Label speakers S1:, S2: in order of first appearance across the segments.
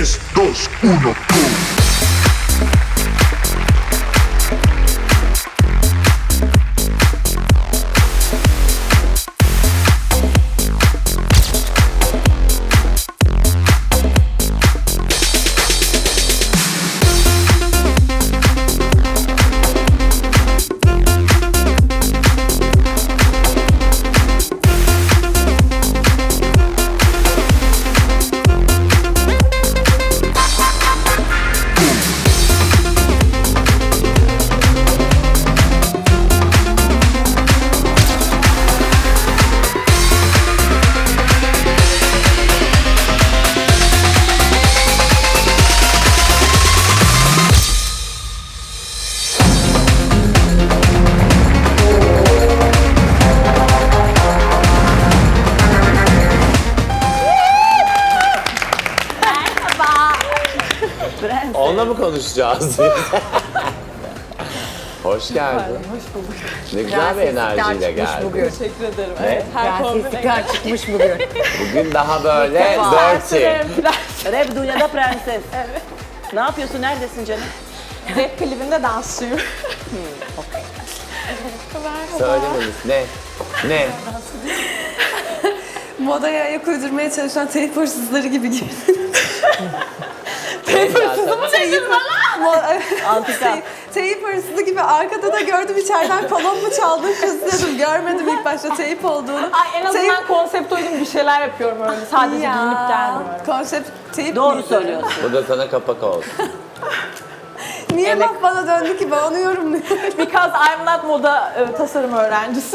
S1: 3, 2, 1, go!
S2: Onunla mı konuşacağız? Hoş geldin.
S3: Hoş bulduk.
S2: Ne güzel bir enerjiyle geldin.
S3: Bugün. Teşekkür ederim.
S2: Evet.
S3: Prenseslikler çıkmış bugün.
S2: Bugün daha böyle dirty.
S4: Rap dünyada prenses. Evet. Ne yapıyorsun? Neredesin canım?
S3: Rap klibinde dansçıyım.
S2: Söylememiz ne? Ne?
S5: Modaya ayak uydurmaya çalışan teyip hırsızları gibi gibi.
S2: Teyip hırsızı mı?
S4: Antika.
S5: Teyip hırsızı gibi arkada da gördüm içeriden kolon mu çaldın kızıyordum. Görmedim ilk başta teyip olduğunu.
S3: Ay en azından konsept uygun bir şeyler yapıyorum öyle. Sadece giyinip gelmiyorum.
S5: Konsept teyip
S4: Doğru
S5: miydi?
S4: söylüyorsun.
S2: Bu da sana kapak olsun.
S5: Niye laf bana döndü ki ben onu yorumluyorum.
S3: Because I'm not moda tasarım öğrencisi.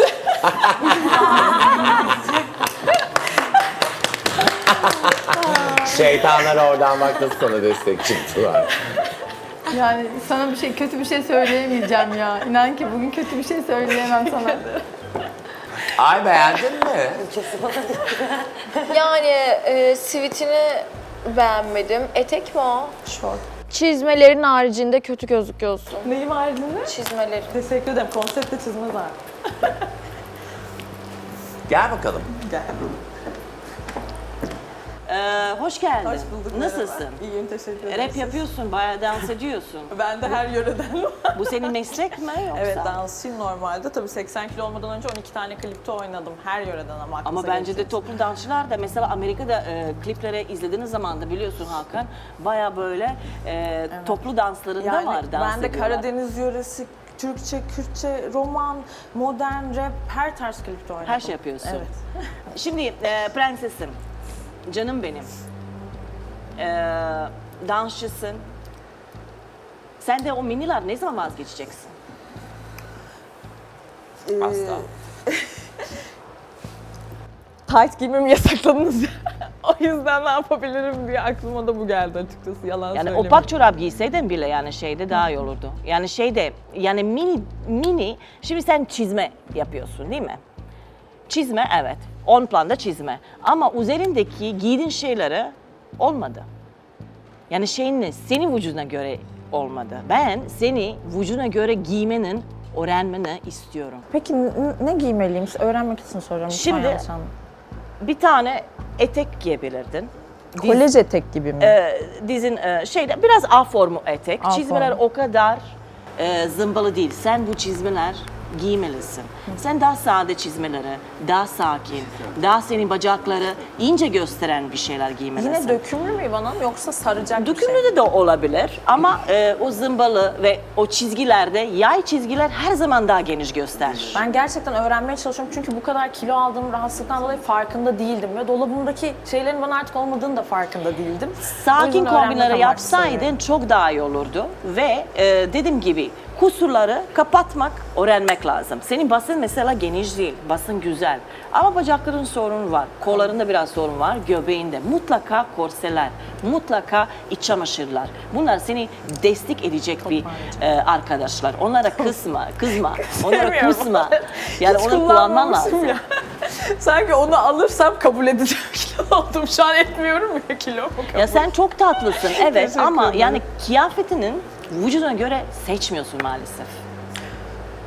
S2: Şeytanlar oradan bak nasıl sana destek çıktılar.
S6: Yani sana bir şey, kötü bir şey söyleyemeyeceğim ya. İnan ki bugün kötü bir şey söyleyemem sana.
S2: Ay beğendin mi?
S7: Yani sivitini beğenmedim. Etek mi o?
S3: Şort.
S7: Çizmelerin haricinde kötü gözüküyorsun.
S3: Neyim haricinde?
S7: Çizmeleri.
S3: Teşekkür ederim. Konsepte çizme zaten.
S2: Gel bakalım.
S3: Gel.
S4: Hoş geldin.
S3: Hoş bulduk.
S4: Nasılsın?
S3: Merhaba. İyiyim, teşekkür ederim.
S4: Rap yapıyorsun, bayağı dans ediyorsun.
S3: Ben de her yöreden var.
S4: Bu senin meslek mi yoksa?
S3: Evet, dansçıyım normalde. Tabii 80 kilo olmadan önce 12 tane klipte oynadım. Her yöreden ama aklınıza
S4: Ama bence de
S3: gelecek.
S4: toplu dansçılar da mesela Amerika'da kliplere izlediğiniz zaman da biliyorsun Hakan bayağı böyle toplu danslarında
S3: Yani
S4: var dans
S3: ben de
S4: ediyorlar.
S3: Karadeniz yöresi, Türkçe, Kürtçe, roman, modern rap, her tarz klipte oynadım.
S4: Her şey yapıyorsun.
S3: Evet.
S4: Şimdi prensesim, canım benim. Dansçısın. Sen de o miniler ne zaman vazgeçeceksin?
S2: Asla.
S3: Tight giymemi yasakladınız ya. O yüzden ne yapabilirim diye aklıma da bu geldi açıkçası. Yalan
S4: Yani
S3: söylemeyeyim.
S4: opak çorap giyseydin bile yani şeyde daha iyi olurdu. Yani şeyde yani mini şimdi sen çizme yapıyorsun değil mi? Çizme evet. On planda çizme. Ama üzerindeki giydiğin şeyleri olmadı. Yani şeyin ne? Senin vücuduna göre olmadı. Ben seni vücuduna göre giymenin, öğrenmeni istiyorum.
S3: Peki ne giymeliyim? Öğrenmek için soruyorum.
S4: Şimdi- Bir tane etek giyebilirdin.
S3: Kolej etek gibi mi?
S4: Dizin şeyde biraz A formu etek.
S3: A
S4: Çizmeler
S3: formu.
S4: o kadar zımbalı değil. Sen bu çizmeler giymelisin. Sen daha sade çizmeleri, daha sakin, daha senin bacakları ince gösteren bir şeyler giymelisin.
S3: Yine dökümlü mü İvan'ım yoksa saracak bir şey?
S4: Dökümlü de olabilir ama o zımbalı ve o çizgilerde yay çizgiler her zaman daha geniş gösterir.
S3: Ben gerçekten öğrenmeye çalışıyorum çünkü bu kadar kilo aldığım rahatsızlıktan dolayı farkında değildim ve dolabımdaki şeylerin bana artık olmadığını da farkında değildim. O
S4: Sakin
S3: yüzden öğrenmek
S4: kombinleri
S3: amaçlı
S4: yapsaydın
S3: söylüyorum.
S4: çok daha iyi olurdu ve dediğim gibi kusurları kapatmak, öğrenmek lazım. Senin basın mesela geniş değil, basın güzel. Ama bacakların sorunu var, kollarında biraz sorun var, göbeğinde. Mutlaka korseler, mutlaka iç çamaşırlar. Bunlar seni destek edecek bir arkadaşlar. Onlara kızma, onlara
S3: Sevmiyorum.
S4: kusma. Yani
S3: Hiç
S4: onu kullanman
S3: kullanmamışım
S4: lazım.
S3: ya. Sanki onu alırsam kabul edeceğim kilo oldum. Şu an etmiyorum ya kilomu kabul.
S4: Ya sen çok tatlısın evet
S3: Teşekkür
S4: ama
S3: ederim.
S4: yani kıyafetinin vücuduna göre seçmiyorsun maalesef.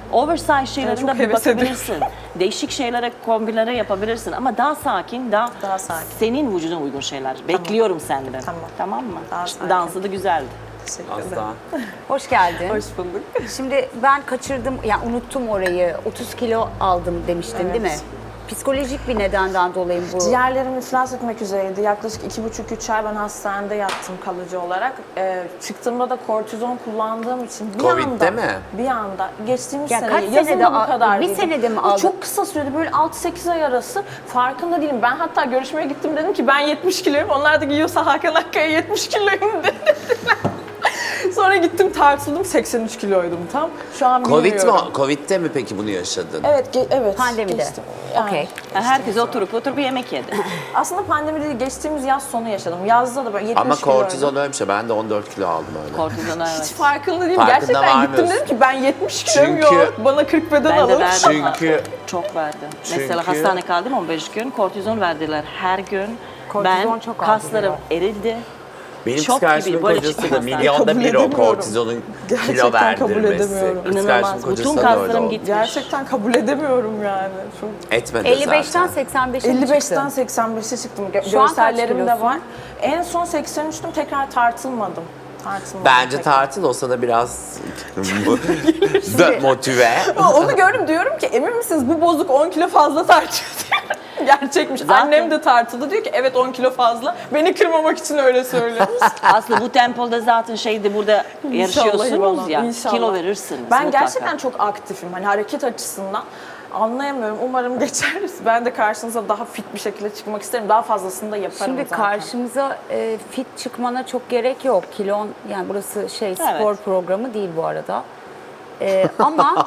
S4: Oversize şeylerine
S3: çok
S4: bir
S3: heves
S4: bakabilirsin. Değişik şeylere, kombinlere yapabilirsin ama daha sakin,
S3: Daha sakin.
S4: senin vücuduna uygun şeyler. Bekliyorum senden.
S3: Tamam.
S4: Tamam mı?
S3: Daha sakin.
S4: Dansı da güzeldi.
S2: Asla.
S1: Hoş geldin.
S3: Hoş bulduk.
S1: Şimdi ben kaçırdım, yani unuttum orayı. 30 kilo aldım demiştin değil mi? Psikolojik bir nedenden dolayı bu.
S3: Ciğerlerim iflas etmek üzereydi. Yaklaşık 2,5-3 ay ben hastanede yattım kalıcı olarak. Çıktığımda da kortizon kullandığım için bir
S2: Covid'de
S3: anda,
S2: mi?
S3: bir anda geçtiğimiz
S1: Ya
S3: sene,
S1: kaç
S3: yazın
S1: senede
S3: da bu kadar
S1: bir
S3: değildim.
S1: senede mi
S3: Bu
S1: aldın?
S3: Çok kısa sürede böyle 6-8 ay arası farkında değilim. Ben hatta görüşmeye gittim dedim ki ben 70 kiloyum. Onlar da giyiyorsa Hakan Akkaya 70 kiloyum dediler. Sonra gittim tartıldım 83 kiloydum tam. Şu an bilmiyorum.
S2: Covid'de mi peki bunu yaşadın?
S3: Evet, evet.
S1: Pandemide.
S3: geçtim. Yani.
S1: Okey.
S4: Herkes oturup yemek yedi.
S3: Aslında pandemi değil, geçtiğimiz yaz sonu yaşadım. Yazda da böyle 70
S2: Ama
S3: kiloydum.
S2: kortizon öyle bir şey. Ben de 14 kilo aldım öyle.
S4: Kortizona
S3: Hiç
S4: evet.
S3: farkında değilim.
S2: Farkında
S3: Gerçekten gittim
S2: varmıyorsun.
S3: dedim ki ben 70 kiloyum
S2: Çünkü-
S3: yok. Bana 40 beden
S4: Ben de
S3: alın.
S4: verdim.
S2: Çünkü
S4: Çok verdim.
S2: Çünkü-
S4: Mesela hastane kaldım 15 gün. Kortizon verdiler her gün.
S1: Kortizon
S4: Ben
S1: çok
S4: kaslarım
S1: aldırıyor.
S4: erildi.
S2: benim
S4: Şok
S2: psikiyatrimin
S4: gibi, böyle
S2: kocası da
S4: çıkmaz.
S2: milyonda
S3: Kabul
S2: bir o
S3: edemiyorum.
S2: kortizonun kilo
S3: Gerçekten kabul
S2: verdirmesi.
S3: edemiyorum.
S2: Psikiyatrimin
S4: İnanılmaz.
S2: kocası
S4: Bütün
S2: da öyle
S4: kaslarım
S2: oldu.
S4: gitmiş.
S3: Gerçekten kabul edemiyorum yani. Çok...
S2: Etmedi
S1: 55'ten
S2: zaten.
S1: 85'e
S3: 55'ten
S1: çıktın.
S3: 85'e çıktım.
S1: Şu an kaç
S3: Görsellerim de
S1: kilosun?
S3: var. En son 83'tüm, tekrar tartılmadım.
S2: Bence
S3: tekrar.
S2: tartıl olsa da biraz motive.
S3: Ama onu gördüm, diyorum ki emin misiniz bu bozuk 10 kilo fazla tartıyor diyor. Gerçekmiş. Annem de tartıldı, diyor ki evet 10 kilo fazla. Beni kırmamak için öyle söylüyoruz.
S4: Aslında bu tempoda zaten şeyde burada yarışıyorsunuz
S3: İnşallah,
S4: ya.
S3: inşallah.
S4: Kilo verirsiniz
S3: Ben
S4: mutlaka.
S3: gerçekten çok aktifim. Hani hareket açısından. Anlayamıyorum. Umarım geçeriz. Ben de karşınıza daha fit bir şekilde çıkmak isterim. Daha fazlasını da yaparım
S1: Şimdi
S3: zaten.
S1: karşımıza fit çıkmana çok gerek yok. Kilon, yani burası spor programı değil bu arada. Ama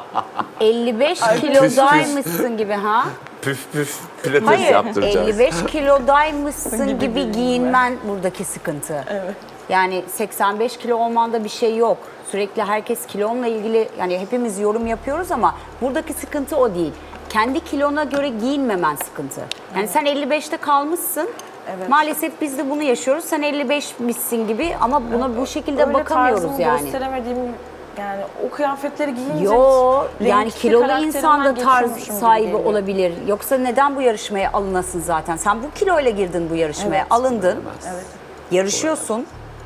S1: 55 kilodaymışsın gibi ha?
S2: Püf püf pilates
S1: Hayır,
S2: yaptıracağız.
S1: 55 kilodaymışsın gibi giyinmen buradaki sıkıntı.
S3: Evet.
S1: Yani 85 kilo olmanda bir şey yok. Sürekli herkes kilonla ilgili, yani hepimiz yorum yapıyoruz ama buradaki sıkıntı o değil. Kendi kilona göre giyinmemen sıkıntı. Yani sen 55'te kalmışsın.
S3: Evet.
S1: Maalesef biz de bunu yaşıyoruz. Sen 55'mişsin gibi ama buna bu şekilde
S3: Öyle
S1: bakamıyoruz
S3: tarzımı
S1: yani.
S3: gösteremediğim, yani o kıyafetleri giyince...
S1: Yo, yani
S3: renkli
S1: kilolu
S3: karakterimden
S1: insan da tarz
S3: geçiyormuşum gibi
S1: sahibi
S3: geliyor.
S1: olabilir. Yoksa neden bu yarışmaya alınasın zaten? Sen bu kiloyla girdin bu yarışmaya,
S3: Evet.
S1: alındın.
S3: Evet.
S1: Yarışıyorsun.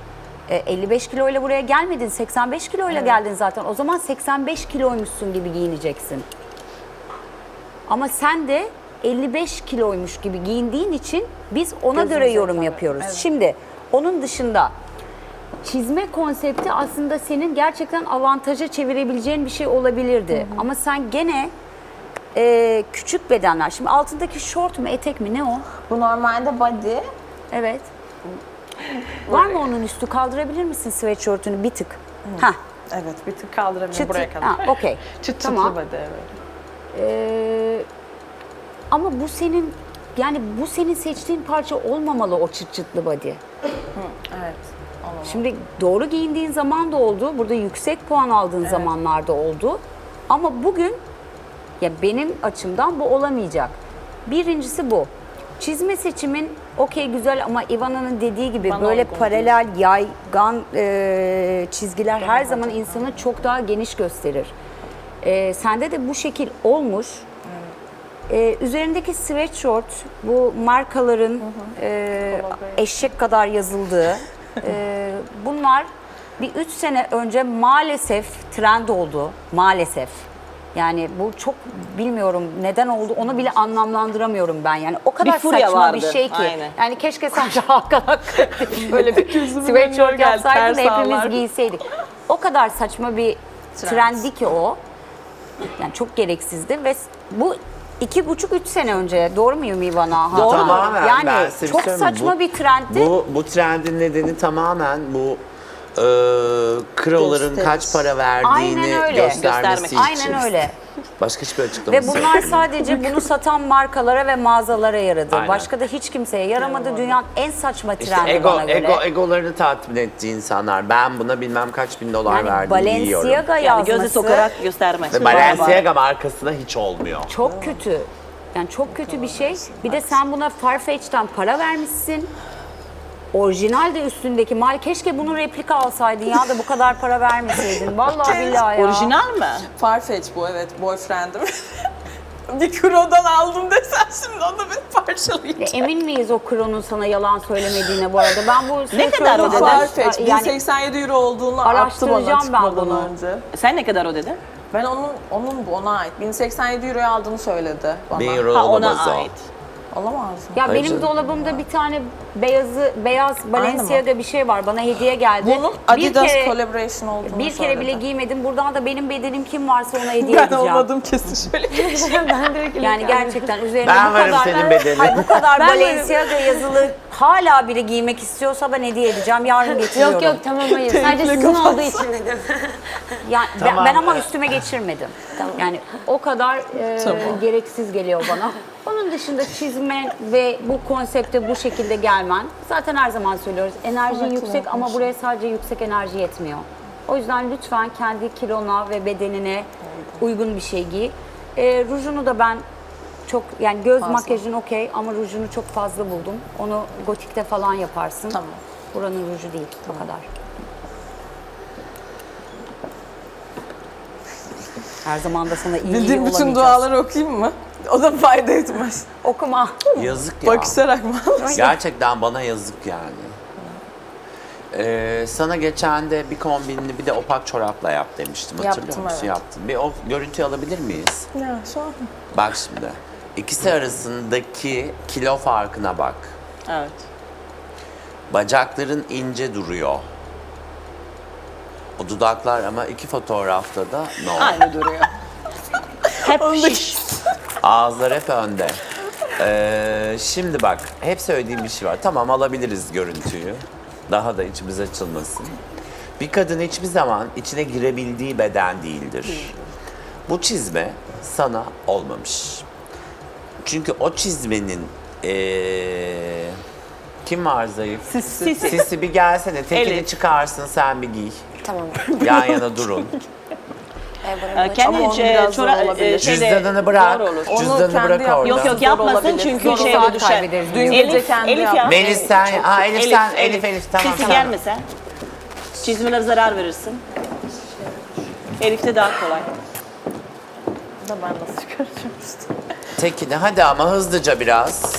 S1: 55 kiloyla buraya gelmedin, 85 kiloyla geldin zaten. O zaman 85 kiloymuşsun gibi giyineceksin. Ama sen de 55 kiloymuş gibi giyindiğin için biz ona göre
S3: Gözümüze
S1: yorum
S3: tabii,
S1: yapıyoruz.
S3: evet.
S1: Şimdi onun dışında çizme konsepti aslında senin gerçekten avantaja çevirebileceğin bir şey olabilirdi. Ama sen gene küçük bedenler. Şimdi altındaki şort mu, etek mi, ne o?
S3: Bu normalde body.
S1: Evet. Var mı onun üstü? Kaldırabilir misin sweatshirt'ünü bir tık? Hah.
S3: Evet, bir tık kaldırabilirim
S1: Çıt,
S3: buraya kadar.
S1: ha, okey.
S3: Çıt
S1: Tamam.
S3: çıtlı body, evet.
S1: Ama bu senin, yani bu senin seçtiğin parça olmamalı, o çıt çıtlı body.
S3: Evet. Olamaz.
S1: Şimdi doğru giyindiğin zaman da oldu. Burada yüksek puan aldığın zamanlarda oldu. Ama bugün ya benim açımdan bu olamayacak. Birincisi bu. Çizme seçimin okey güzel ama Ivana'nın dediği gibi
S3: Bana
S1: böyle
S3: uygun
S1: paralel, yaygan çizgiler her zaman insanı çok daha geniş gösterir. Sende de bu şekil olmuş. Üzerindeki sweatshirt, bu markaların eşek kadar yazıldığı, bunlar bir 3 sene önce maalesef trend oldu. Maalesef. Yani bu çok bilmiyorum neden oldu, onu bile anlamlandıramıyorum ben. Yani o kadar
S4: Bir furya
S1: saçma bir
S4: vardı,
S1: şey ki.
S4: aynen.
S1: Yani keşke sadece Hakan Akkaya böyle bir sweatshirt yapsaydı da hepimiz giyseydik. O kadar saçma bir trendi ki o. Yani çok gereksizdi ve bu 2,5-3 sene önce, doğru muyum Ivana?
S2: Doğru. Tamamen, ben
S1: Yani
S2: size bir
S1: çok
S2: söyleyeyim mi?
S1: saçma bir trendti.
S2: Bu trendin nedeni tamamen bu kroların kaç para verdiğini
S1: Aynen öyle.
S2: göstermesi için.
S1: Aynen öyle.
S2: Başka hiçbir açıklaması
S1: Ve
S2: yok.
S1: bunlar sadece bunu satan markalara ve mağazalara yaradı.
S2: Aynen.
S1: Başka da hiç kimseye yaramadı. Dünyanın en saçma
S2: İşte
S1: trendi bana göre.
S2: egolarını tatmin ettiği insanlar. Ben buna bilmem kaç bin dolar
S1: Yani
S2: verdim yiyorum.
S1: Balenciaga
S4: Yani gözü
S1: yazması
S4: sokarak göstermek.
S2: Ve Balenciaga markasına hiç olmuyor.
S1: çok kötü. Yani çok kötü bir şey. Bir de sen buna Farfetch'ten para vermişsin. Orijinal de üstündeki mal. Keşke bunun replika alsaydın ya da bu kadar para vermeseydin. Vallahi billahi ya.
S4: Orijinal mi?
S3: Farfetch bu, evet, boyfriendim. Bir Kuro'dan aldım desen şimdi onu bir parçalayacağım.
S1: Emin miyiz o Kron'un sana yalan söylemediğine bu arada? Ben bu
S4: Ne kadar o dedi?
S3: Farfetch,
S1: Yani
S3: 1087 euro olduğunu attı bana
S1: araştıracağım ben
S3: çıkmadan
S1: bunu.
S3: önce.
S4: Sen ne kadar ödedin?
S3: Ben onun ona ait 1087 euroya aldığını söyledi bana.
S2: 1 euro
S4: Ha,
S2: olamaz
S4: ona
S2: o.
S4: ait.
S3: Olamaz mı?
S1: ya
S2: Hayır
S1: benim
S2: canım.
S1: dolabımda bir tane beyaz Balenciaga'da bir şey var. Bana hediye geldi.
S3: Bunun Adidas collaboration olduğunu
S1: bir kere bile
S3: söyledi.
S1: giymedim. Buradan da benim bedenim kim varsa ona hediye
S3: Ben
S1: edeceğim.
S3: olmadım kesin şöyle.
S6: Ben direkt
S1: Yani gerçekten üzerine
S2: Ben
S1: bu
S2: varım
S1: kadar
S2: senin bedenin.
S1: Hayır, bu kadar
S6: Ben
S1: Balenciaga yazılı hala biri giymek istiyorsa ben hediye edeceğim. Yarın getiriyorum.
S6: Yok yok tamam hayır. Sadece sizin olduğu için dedim.
S1: Yani
S2: Tamam.
S1: ben ama üstüme geçirmedim. Yani o kadar gereksiz geliyor bana. Onun dışında çizme ve bu konsepte bu şekilde gelmen. Zaten her zaman söylüyoruz. Enerjin yüksek ama buraya sadece yüksek enerji yetmiyor. O yüzden lütfen kendi kilona ve bedenine uygun bir şey giy. Rujunu da ben çok yani göz makyajın okey ama rujunu çok fazla buldum. Onu gotikte falan yaparsın.
S3: Tamam.
S1: Buranın ruju değil. O kadar. Her zaman da sana iyi
S3: Bildiğim bütün
S1: olamayacağız.
S3: duaları okuyayım mı? O da fayda etmez.
S1: Okuma.
S2: Yazık ya.
S3: Bakışarak mı?
S2: Gerçekten bana yazık yani. Sana geçen de bir kombinini bir de opak çorapla yap demiştim. Hatırlıyor
S3: Yaptım,
S2: musun?
S3: evet.
S2: Yaptın. Bir o görüntüyü alabilir miyiz?
S3: Ya şu an.
S2: Bak şimdi. İkisi arasındaki kilo farkına bak.
S4: Evet.
S2: Bacakların ince duruyor. O dudaklar ama iki fotoğrafta da no.
S4: Aynı duruyor. Hep şiş.
S2: Ağızlar hep önde. Şimdi bak, hep söylediğim bir şey var. Tamam alabiliriz görüntüyü. Daha da içimiz açılmasın. Bir kadın hiçbir zaman içine girebildiği beden değildir. Bu çizme sana olmamış. Çünkü o çizmenin kim var zayıf?
S4: Sisi.
S2: Sisi bir gelsene. Tekini
S4: Elif.
S2: çıkarsın sen bir giy.
S7: Tamam.
S2: Yan yana durun.
S4: Kendi
S3: Ama onun biraz zor olabilir.
S2: Cüzdanını bırak.
S4: Zor olur.
S3: Onu
S2: Cüzdanını
S3: kendi
S2: bırak
S3: yapması
S2: orada.
S4: Yok yok
S3: Zor
S4: yapmasın
S3: olabilir.
S4: çünkü
S3: Zor
S4: şeye
S1: saat
S4: düşer.
S1: kaybederiz
S3: Dün gece kendi
S4: Elif
S3: yaptı.
S4: ya.
S2: Melis sen, Elif tamam.
S4: Sisi
S2: tamam.
S4: gelmese. Çizmeler zarar verirsin. Elif'te daha kolay.
S3: Da ben nasıl çıkaracağım işte.
S2: Tekini hadi ama hızlıca biraz.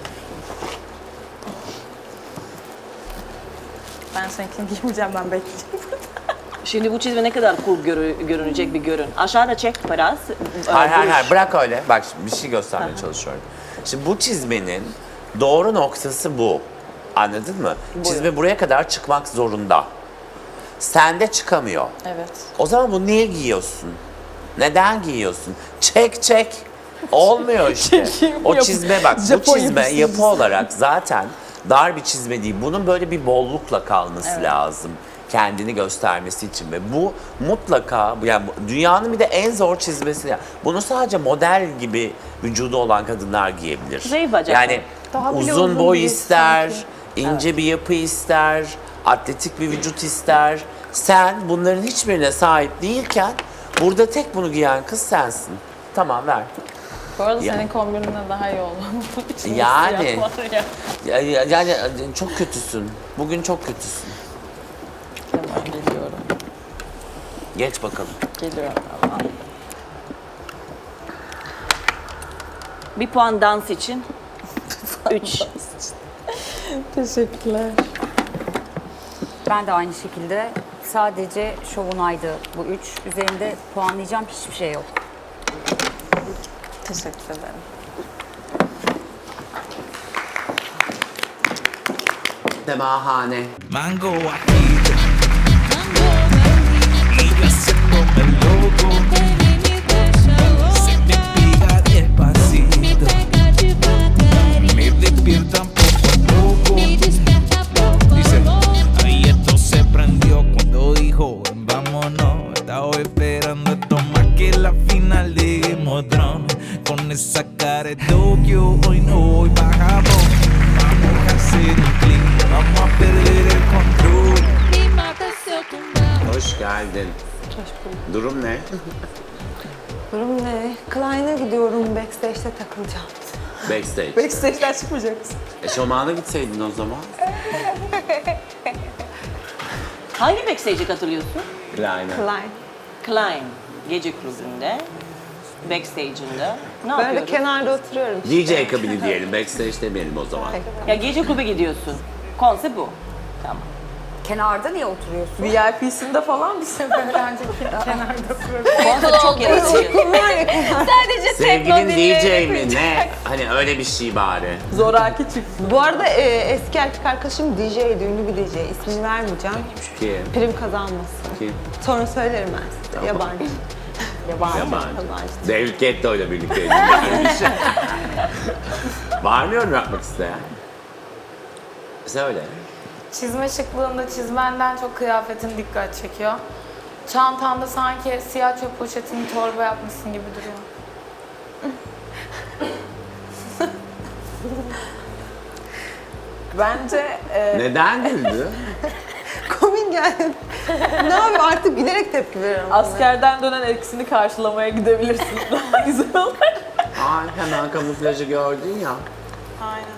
S3: Ben seninkini giymeyeceğim, ben bekleyeceğim.
S4: Şimdi bu çizme ne kadar cool görünecek bir görün. Aşağıda çek biraz.
S2: Hayır bırak öyle. Bak şimdi bir şey göstermeye çalışıyorum. Şimdi bu çizmenin doğru noktası bu. Anladın mı? Çizme buraya kadar çıkmak zorunda. Sende çıkamıyor.
S3: Evet.
S2: O zaman bunu niye giyiyorsun? Neden giyiyorsun? Çek. Olmuyor işte. O çizme bak, bu
S3: Japon
S2: çizme
S3: yapısı.
S2: yapı olarak zaten dar bir çizme değil. Bunun böyle bir bollukla kalması lazım. Kendini göstermesi için ve bu mutlaka yani dünyanın bir de en zor çizmesi. Bunu sadece model gibi vücudu olan kadınlar giyebilir.
S4: Zayıf bacak.
S2: Yani
S6: Daha bile
S2: uzun
S6: uzun
S2: boy
S6: değil
S2: ister,
S6: sanki.
S2: ince bir yapı ister, atletik bir vücut ister. Sen bunların hiçbirine sahip değilken burada tek bunu giyen kız sensin. Tamam ver.
S3: Bu arada
S2: Ya.
S3: senin kombinine daha iyi oldu. İçinde
S2: Yani.
S3: siyah var ya.
S2: Yani çok kötüsün. Bugün çok kötüsün.
S3: Hemen geliyorum.
S2: Geç bakalım.
S3: Geliyorum.
S4: Bir puan dans için. 3.
S3: Teşekkürler.
S1: Ben de aynı şekilde sadece şovunaydı bu 3. Üzerinde puanlayacağım hiçbir şey yok.
S3: Teşekkür ederim.
S2: Semahane.
S8: Mango ajito y yo haciéndome loco se me pega despacito me despiertan poco a poco dice ahí esto se prendió cuando dijo vámonos estaba esperando esto más que la final de Game of Thrones con esa cara de Tokio hoy no voy pa' Japón vamos a hacer un clic vamos a perder el control.
S2: Hoş geldin. Durum ne?
S5: Durum ne? Klein'e gidiyorum, backstage'te takılacağım.
S2: Backstage.
S3: Backstage'den çıkmayacak mısın?
S2: Eşofmanla gitseydin o zaman.
S4: Hangi backstage'e katılıyorsun?
S2: Aynen.
S5: Klein.
S4: Klein gece kulübünde, backstage'inde. Ne
S5: Böyle
S4: yapıyoruz?
S5: kenarda oturuyorum.
S2: DJ kabini diyelim, backstage demeyelim o zaman.
S4: Ya gece kulübe gidiyorsun. Konsept bu. Tamam.
S1: Kenarda niye oturuyorsun?
S3: VIP'sinde falan mısın?
S4: Konsept çok yaratıcı.
S7: Sadece
S2: Sevgilin DJ mi ne? Hani öyle bir şey bari.
S3: Zoraki çift.
S5: Bu arada eski erkek arkadaşım DJ'ydi, ünlü bir DJ. İsmini vermeyeceğim.
S2: Kim?
S5: Prim kazanmasın.
S2: Kim?
S5: Sonra söylerim ben size. Yabancı.
S2: Yabancı.
S5: Yabancı.
S2: David Guetta ile birlikteydim. Yani bir şey. Var mı yorum yapmak isteyen? Söyle.
S9: Çizme şıklığında çizmenden çok kıyafetin dikkat çekiyor. Çantanda sanki siyah çöp poşetini torba yapmışsın gibi duruyor.
S3: Bence
S2: Neden güldü?
S5: Komik geldi. Ne yapayım artık gülerek tepki veriyorum.
S3: askerden dönen eksini karşılamaya gidebilirsin. Daha güzel olur.
S2: Ay hemen kamuflajı gördün ya.
S3: Aynen.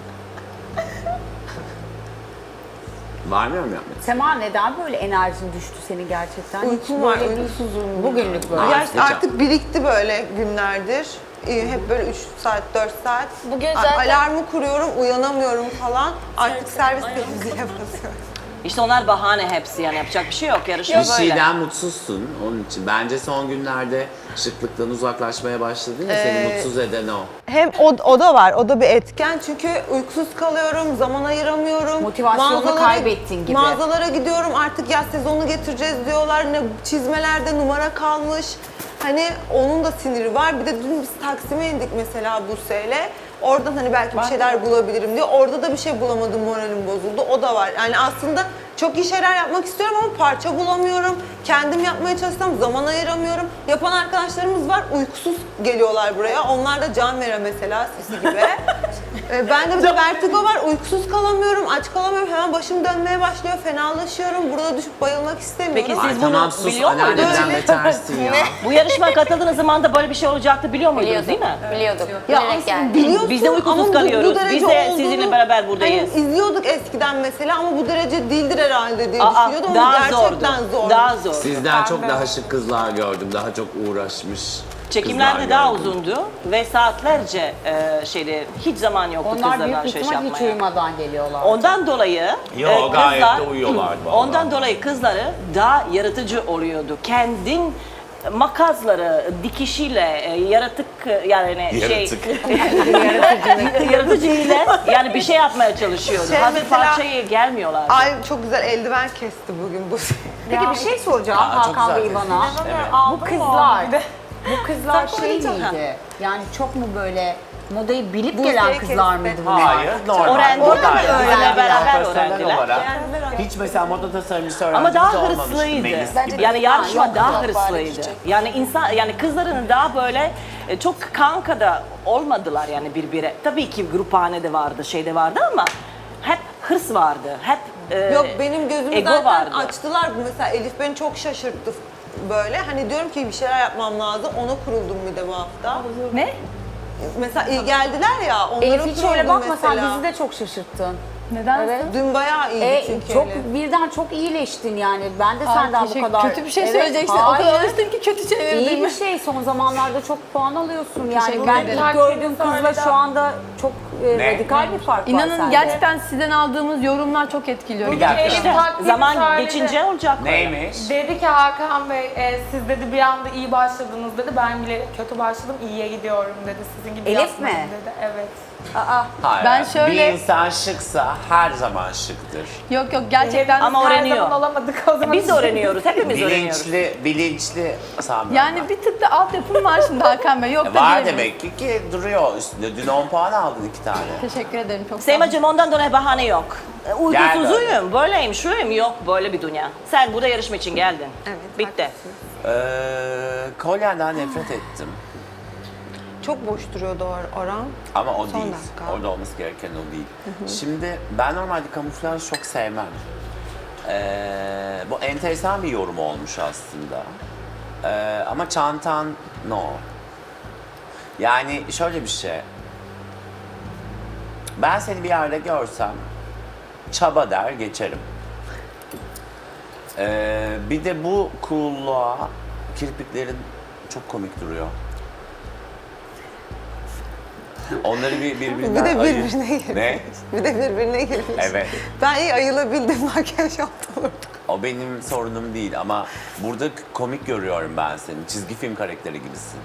S2: Var mı yorum yapmak?
S1: Sema neden böyle enerjin düştü senin gerçekten?
S5: Uykum var, uykusuzum.
S1: Bugünlük böyle.
S2: Aa,
S5: Gerçi artık birikti böyle günlerdir. Hep böyle 3 saat, 4 saat.
S7: Bugün zaten-
S5: Alarmı kuruyorum, uyanamıyorum falan. Artık servis temizliğe basıyorum.
S4: İşte onlar bahane hepsi yani yapacak bir şey yok. Yarışma
S2: Bir
S4: böyle.
S2: şeyden mutsuzsun onun için. Bence son günlerde şıklıktan uzaklaşmaya başladın ya seni mutsuz eden o.
S5: Hem o da var, o da bir etken. Çünkü uykusuz kalıyorum, zaman ayıramıyorum.
S1: Motivasyonunu kaybettin gibi.
S5: Mağazalara gidiyorum, artık yaz sezonu getireceğiz diyorlar. Ne çizmelerde numara kalmış. Hani onun da siniri var. Bir de dün biz Taksim'e indik mesela Buse'yle. Oradan hani belki bir şeyler bulabilirim diye. Orada da bir şey bulamadım, moralim bozuldu. O da var. Yani aslında çok iyi şeyler yapmak istiyorum ama parça bulamıyorum. Kendim yapmaya çalışsam zaman ayıramıyorum. Yapan arkadaşlarımız var, uykusuz geliyorlar buraya. Onlar da can vere mesela, siz gibi. Bende bir de vertigo var, uykusuz kalamıyorum, aç kalamıyorum. Hemen başım dönmeye başlıyor, fenalaşıyorum. Burada düşüp bayılmak istemiyorum.
S4: Peki
S2: Ay
S4: siz
S2: tamam
S4: bunu
S2: sus
S4: biliyor muydunuz?
S2: anneanneden betersin ya.
S4: Bu yarışmaya katıldığınız zaman da böyle bir şey olacaktı biliyor muydunuz değil mi?
S7: Biliyorduk.
S5: Ya
S7: Bilerek
S5: aslında
S7: geldik.
S5: biliyorsun
S4: Biz de uykusuz
S5: ama
S4: kalıyoruz.
S5: derece
S4: Biz de
S5: olduğunu
S4: sizinle beraber buradayız.
S5: Hani izliyorduk eskiden mesela ama bu derece değildir herhalde diye
S4: Aa,
S5: düşünüyordum ama
S4: daha zordu.
S5: gerçekten zor.
S4: Daha zor.
S2: Sizden çok daha şık kızlar gördüm. Daha çok uğraşmış
S4: Çekimler de
S2: kızlar
S4: daha
S2: gördüm.
S4: uzundu ve saatlerce hiç zaman yoktu
S1: Onlar
S4: kızlarla
S1: büyük
S4: alışveriş
S1: ihtimal hiç
S4: yapmaya.
S1: uyumadan geliyorlar.
S4: Ondan dolayı
S2: Yo, gayet de uyuyorlardı vallahi.
S4: Ondan dolayı kızları daha yaratıcı oluyordu. Kendin makasları, dikişiyle, yaratık yani
S2: Yaratık.
S4: yaratıcı ile yani bir şey yapmaya çalışıyordu.
S5: Şey
S4: Hafif
S5: mesela-
S4: parçaya gelmiyorlardı.
S5: Ay çok güzel eldiven kesti bugün bu.
S1: Peki bir şey soracağım
S2: Aa, çok
S1: Hakan
S2: güzel
S1: Bey bana.
S2: Evet.
S1: Bu kızlar şey miydi? Yani çok mu böyle modayı bilip
S5: Bu
S1: gelen
S5: şey
S1: kızlar
S5: kesti.
S1: mıydı bunlar?
S2: Hayır, normal.
S4: Öğrendiler,
S2: Modayla
S4: öğrendiler, beraber
S2: profesyonel
S4: öğrendiler.
S2: olarak. Hiç mesela moda tasarımcısı öğrencisi
S4: Ama daha
S2: olmamış
S4: hırslıydı.
S2: Melis gibi.
S4: Yani yarışma
S1: yok,
S4: daha
S7: yok, bari
S4: hırslıydı.
S7: küçük.
S4: Yani insan yani kızların daha böyle çok kanka da olmadılar yani birbirine. Tabii ki gruphane de vardı, şey de vardı ama hep hırs vardı. Hep
S5: Yok benim gözümü
S4: ego
S5: zaten
S4: vardı.
S5: açtılar. Mesela Elif beni çok şaşırttı böyle. Hani diyorum ki bir şeyler yapmam lazım. Ona kuruldum bir de bu hafta.
S6: Ne?
S5: Mesela iyi geldiler ya. Onlara
S1: Elif hiç öyle
S5: kuruldum
S1: bakma sen
S5: mesela.
S1: bizi de çok şaşırttın.
S6: Neden?
S1: Evet.
S5: Dün bayağı iyiydi çünkü
S1: Çok
S5: Elif.
S1: birden çok iyileştin yani. Ben de
S6: Ay,
S1: senden bu
S6: teşekkür-
S1: kadar...
S6: Kötü bir şey
S1: Evet,
S6: söyleyeceksin. O
S1: hayır.
S6: kadar alıştım ki kötü çevirdin.
S1: İyi bir şey. Son zamanlarda çok puan alıyorsun yani.
S6: Teşekkür
S1: Ben
S6: ederim.
S1: ilk gördüğüm kızla şu anda çok radikal bir fark var
S6: İnanın
S1: sende.
S6: gerçekten sizden aldığımız yorumlar çok etkiliyor.
S2: Bir dakika.
S7: Elif taktiğini
S4: zaman
S7: söyledi.
S4: geçince olacak.
S2: Neymiş?
S9: Dedi ki Hakan Bey siz dedi bir anda iyi başladınız dedi. Ben bile kötü başladım iyiye gidiyorum dedi. Sizin gibi
S1: Elif
S9: yapmayın
S1: mi?
S9: dedi. Evet.
S2: Hayır.
S6: Ben şöyle-
S2: Bir insan şıksa her zaman şıktır.
S6: Yok yok gerçekten.
S4: Ama
S9: Her
S4: öğreniyor.
S9: zaman olamadık o zaman.
S4: Biz de öğreniyoruz, hepimiz öğreniyoruz.
S2: Bilinçli sanmıyorum
S6: Yani
S2: ben.
S6: bir tık da altyapım var şimdi Hakan Bey. Yok da
S2: Var
S6: diyemiyorum.
S2: demek ki duruyor üstünde. Dün 10 puan aldın 2 tane.
S6: Teşekkür ederim çok sağ olun.
S4: Seymacığım ondan dolayı bahane yok.
S2: Gel
S4: Uykusuzuyum, böyleyim, şuyum yok böyle bir dünya. Sen burada yarışma için geldin.
S5: Evet,
S4: Bitti.
S2: Kolyenden nefret ettim.
S5: Çok boş duruyordu Orhan.
S2: Ama o
S5: Son
S2: değil.
S5: dakika.
S2: Orada olması gereken o değil. Şimdi ben normalde kamuflaj çok sevmem. Bu enteresan bir yorum olmuş aslında. Ama çantan no. Yani şöyle bir şey. Ben seni bir yerde görsem çaba der geçerim. Bir de bu coolluğa kirpiklerin çok komik duruyor. Onları birbirinden
S5: Bir de
S2: ayır.
S5: birbirine girmiş.
S2: Ne?
S5: Bir de birbirine girmiş.
S2: Evet.
S5: Ben iyi ayılabildim makyaj yaptım orada.
S2: O benim sorunum değil ama burada komik görüyorum ben seni. Çizgi film karakteri gibisin.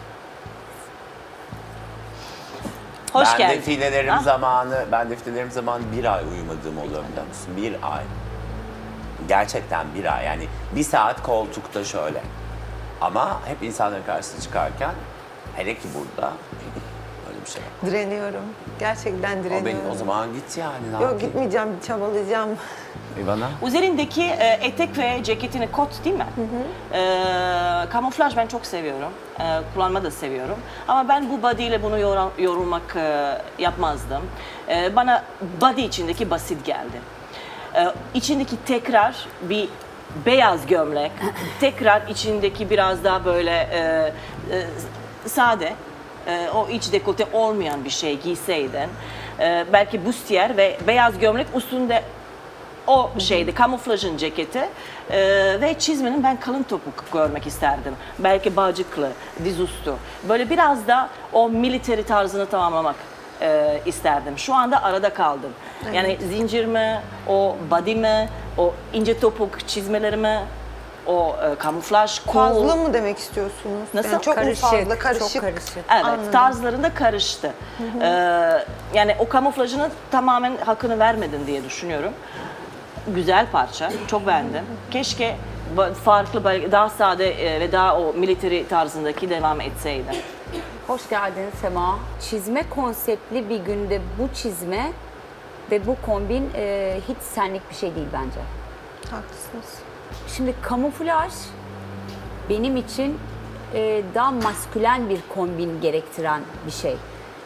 S4: Hoş
S2: ben
S4: geldin.
S2: defilelerim
S4: Ah.
S2: zamanı, bir ay uyumadığım oluyor biliyor musun? Bir ay. Gerçekten bir ay. Yani bir saat koltukta şöyle. Ama hep insanların karşısına çıkarken, hele ki burada öyle bir şey yok.
S5: Direniyorum. Gerçekten direniyorum.
S2: O zaman git yani. Ne
S5: Yok
S2: yapayım?
S5: gitmeyeceğim, çabalayacağım.
S2: İvana?
S4: Üzerindeki etek ve ceketini kot değil mi? Kamuflaj ben çok seviyorum. Kullanmayı da seviyorum. Ama ben bu body ile bunu yorulmak yapmazdım. Bana body içindeki basit geldi. İçindeki tekrar bir beyaz gömlek, tekrar içindeki biraz daha böyle sade, o iç dekolte olmayan bir şey giyseydin, belki bustiyer ve beyaz gömlek üstünde o şeydi, kamuflajın ceketi ve çizmenin ben kalın topuk görmek isterdim. Belki bağcıklı, dizüstü. Böyle biraz da o military tarzını tamamlamak isterdim. Şu anda arada kaldım. Yani zincir mi, o body mi, o ince topuk çizmeleri mi, o kamuflaj, cool.
S5: Fazla mı demek istiyorsunuz?
S4: Nasıl?
S5: Yani çok
S1: Karışık,
S5: mu fazla, karışık?
S1: çok karışık.
S4: Evet,
S5: Anladım.
S4: tarzlarında karıştı. Yani o kamuflajını tamamen hakkını vermedin diye düşünüyorum. Güzel parça, çok beğendim. Keşke farklı, daha sade ve daha o military tarzındaki devam etseydi.
S1: Hoş geldin Sema. Çizme konseptli bir günde bu çizme ve bu kombin hiç senlik bir şey değil bence.
S5: Haklısınız.
S1: Şimdi kamuflaj benim için daha maskülen bir kombin gerektiren bir şey.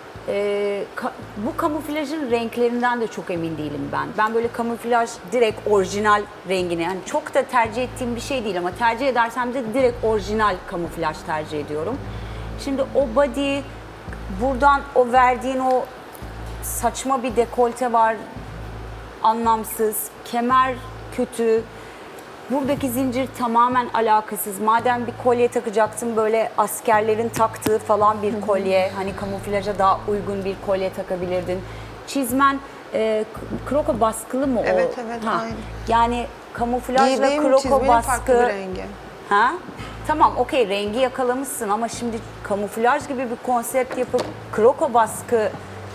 S1: Bu kamuflajın renklerinden de çok emin değilim ben. Ben böyle kamuflaj direkt orijinal rengini, yani çok da tercih ettiğim bir şey değil ama tercih edersem de direkt orijinal kamuflaj tercih ediyorum. Şimdi o body, buradan o verdiğin o saçma bir dekolte var, anlamsız, kemer kötü. Buradaki zincir tamamen alakasız. Madem bir kolye takacaktım, böyle askerlerin taktığı falan bir kolye, hani kamuflaja daha uygun bir kolye takabilirdin. Çizmen kroko baskılı mı o?
S5: Evet, aynı.
S1: Yani kamuflajla
S5: Giydiğim
S1: kroko
S5: çizmenin farklı bir
S1: baskı.
S5: rengi.
S1: Ha? Tamam, okey, rengi yakalamışsın ama şimdi kamuflaj gibi bir konsept yapıp kroko baskı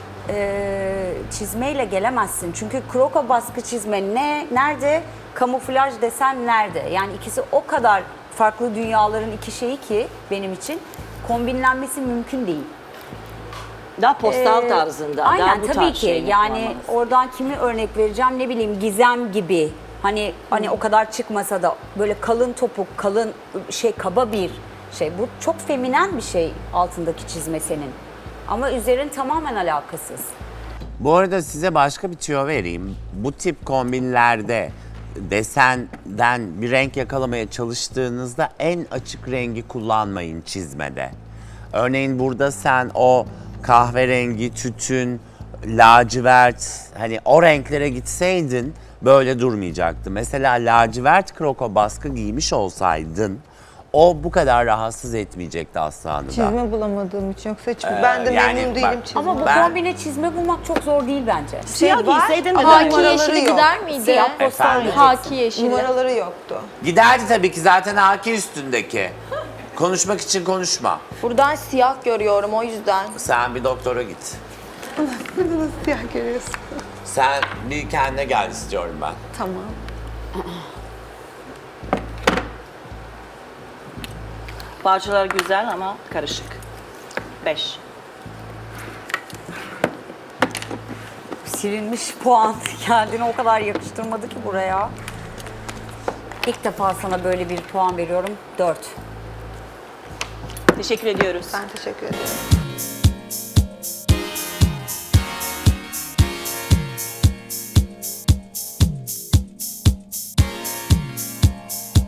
S1: çizmeyle gelemezsin. Çünkü kroko baskı çizme nerede? Kamuflaj desen nerede? Yani ikisi o kadar farklı dünyaların iki şeyi ki benim için kombinlenmesi mümkün değil.
S4: Daha postal tarzında, daha
S1: Aynen,
S4: bu
S1: tabii
S4: tarz
S1: ki.
S4: şeyini
S1: Yani
S4: kullanmanız.
S1: oradan kimi örnek vereceğim, ne bileyim, Gizem gibi. Hani o kadar çıkmasa da böyle kalın topuk, kalın kaba bir şey. Bu çok feminen bir şey altındaki çizme senin. Ama üzerin tamamen alakasız.
S2: Bu arada size başka bir tüyo vereyim. Bu tip kombinlerde desenden bir renk yakalamaya çalıştığınızda en açık rengi kullanmayın çizmede. Örneğin burada sen o kahverengi, tütün, lacivert, hani o renklere gitseydin böyle durmayacaktı. Mesela lacivert kroko baskı giymiş olsaydın o bu kadar rahatsız etmeyecekti aslanı da.
S5: Çizme bulamadığım için, yoksa hiç ben de
S2: yani
S5: memnun
S2: bak-
S5: değilim çizme.
S1: Ama bu
S2: Ben-
S1: kombine çizme bulmak çok zor değil bence.
S4: Siyah
S5: var
S4: giyseydin de
S5: ama
S4: daha
S6: Haki
S5: numaraları
S6: yeşili
S5: yok.
S6: gider miydi?
S1: Siyah postal
S2: Efendim?
S1: giyeceksin.
S6: Haki yeşili.
S5: Numaraları yoktu.
S2: Giderdi tabii ki, zaten haki üstündeki. Konuşmak için konuşma.
S7: Buradan siyah görüyorum o yüzden.
S2: Sen bir doktora git.
S5: Burada nasıl siyah görüyorsun?
S2: Sen bir kendine gel istiyorum ben.
S5: Tamam.
S4: Parçalar güzel ama karışık. 5.
S1: Silinmiş puan kendini o kadar yakıştırmadı ki buraya. İlk defa sana böyle bir puan veriyorum. 4.
S4: Teşekkür ediyoruz.
S5: Ben teşekkür ederim.